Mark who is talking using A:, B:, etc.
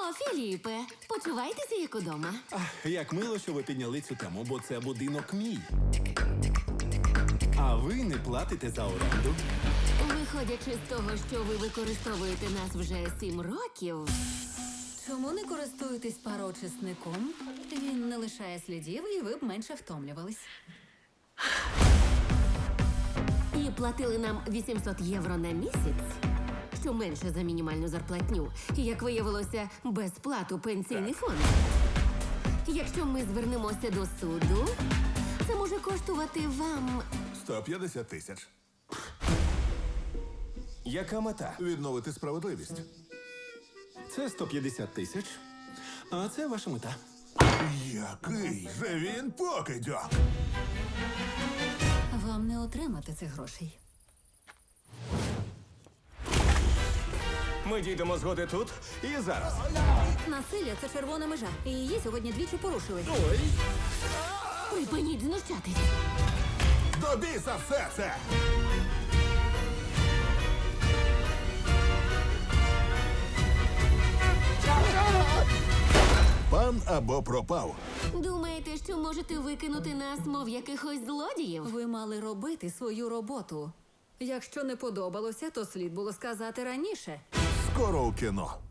A: Філіпе, почувайтеся як удома.
B: Як мило, що ви підняли цю тему, бо це будинок мій. А ви не платите за оренду.
A: Виходячи з того, що ви використовуєте нас вже 7 років,
C: Чому не користуєтесь пароочисником? Він не лишає слідів, і ви б менше втомлювались.
A: і платили нам 800 євро на місяць, що менше за мінімальну зарплатню, і, як виявилося, безплату пенсійний фонд. Якщо ми звернемося до суду, це може коштувати вам
D: 150 тисяч.
E: Яка мета?
D: Відновити справедливість.
B: Це 150 тисяч. А це ваша мета.
D: Який же він покидьок!
C: Вам не отримати цих грошей.
E: Ми дійдемо згоди тут і зараз.
C: Насилля – це червона межа. І її сьогодні двічі порушили.
A: припиніть знущатись.
D: До біса все це! Пан або пропав.
A: Думаєте, що можете викинути нас, мов якихось злодіїв?
C: Ви мали робити свою роботу. Якщо не подобалося, то слід було сказати раніше.
D: Скоро у кіно.